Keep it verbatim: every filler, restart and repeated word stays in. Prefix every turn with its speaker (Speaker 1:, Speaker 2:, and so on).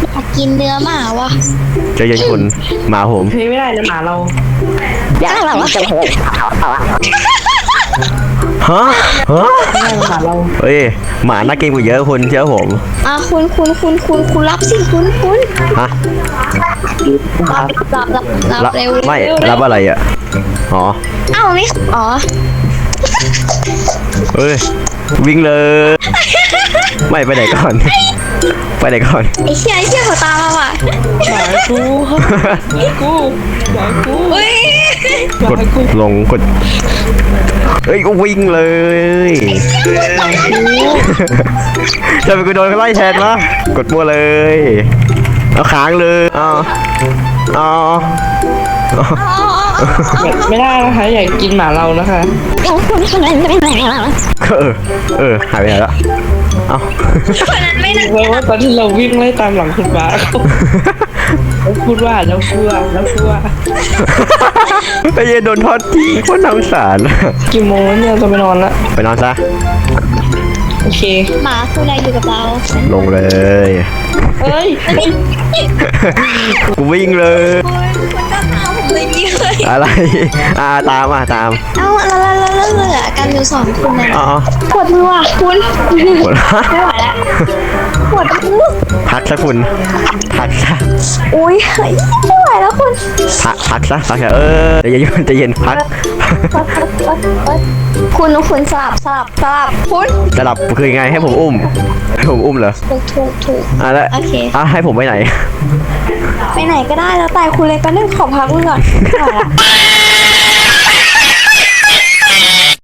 Speaker 1: อยากกินเนื้อหมาวะ
Speaker 2: ใจเย็นคุณหมาผม
Speaker 3: เฮ้ยไม่ได้นะหมาเรา
Speaker 1: อยากแบบว่า
Speaker 2: ฮะฮะ
Speaker 3: ไม่ได้นะหมาเรา
Speaker 2: เฮ้ยหมาน่าเกรงกว่าเยอะคุณเชื่อผม
Speaker 1: อ่ะคุณคุณคุณคุณคุณรับสิคุณคุณ
Speaker 2: ฮะ
Speaker 1: รับรับรับรับ
Speaker 2: รับ
Speaker 1: เร็ว
Speaker 2: ไม่
Speaker 1: เร็ว
Speaker 2: รับอะไรอ่ะอ๋อ
Speaker 1: อ้าวนี่อ๋อ
Speaker 2: เฮ้ยวิ่งเลย ไม่ไปไหนก่อน ไปไหนก่อน
Speaker 1: ไอ้เชี่ยไอ้เชี่ยเขาตามมาว่ะ
Speaker 3: หมากูหมากูหมากู
Speaker 1: เฮ้ย
Speaker 2: กดลงกดเฮ้ยก็วิ่งเลยจะไปกูโดนเขาไล่แทนวะกดมัวเลยเอาค้างเลยเอาเอา
Speaker 1: อ๋อ
Speaker 3: ไม่ได้นะคะอยากกินหมาเรานะคะ
Speaker 1: อ๋อคุณคนนั้นไม่ไหนแล้ว
Speaker 2: เออเออหายไปไหนละเอา
Speaker 1: คนนั้นไม่ไหน
Speaker 3: เพราะว่าตอนที่เราวิ่งไล่ตามหลังคุณหมาเขาแล้วพูดว่าแล้วพูดว่าแล้วพูดว่า
Speaker 2: ไอ้เหี้ยโดนทอดทิ้งโคนน่าสงสาร
Speaker 3: กี่โมงแล้วเนี่ยจะไปนอนละ
Speaker 2: ไปนอนซะ
Speaker 3: โอเค
Speaker 1: หมาคุณอะไรอยู่กับเรา
Speaker 2: ลงเลย
Speaker 3: เอ้ย
Speaker 2: กูวิ่งเลย
Speaker 1: คุณคุณก็ตามผมเลยนี่เลย
Speaker 2: อะไรอ่าตามอ่ะตาม
Speaker 1: เอ้าแล้วแล้วแล้วแล้วเหลือกันอยู่สองคนนะ
Speaker 2: อ๋อ
Speaker 1: ปวดมือว่ะคุณ
Speaker 2: ปวด
Speaker 1: ไม่ไหวแล้วปวดมือ
Speaker 2: พักซะคุณพักซะ
Speaker 1: อุ้ยเฮ้ยไม่ไหวแล้วคุณ
Speaker 2: พักพักซะพักซะเออใจเย็นใจเย็นพัก
Speaker 1: คุณคุณสลับสลับสลับคุณ
Speaker 2: จะหลับคือไงให้ผมอุ้มให้ผมอุ้มเหรอ
Speaker 1: ถูกถูกถูก
Speaker 2: อ่ะแล้ว
Speaker 1: โอเค
Speaker 2: อ่ะให้ผมไปไหน
Speaker 1: ไปไหนก็ได้แล้วแต่คุณเลยก็นึ่งขอพักมือก่อนไม่ไหวละ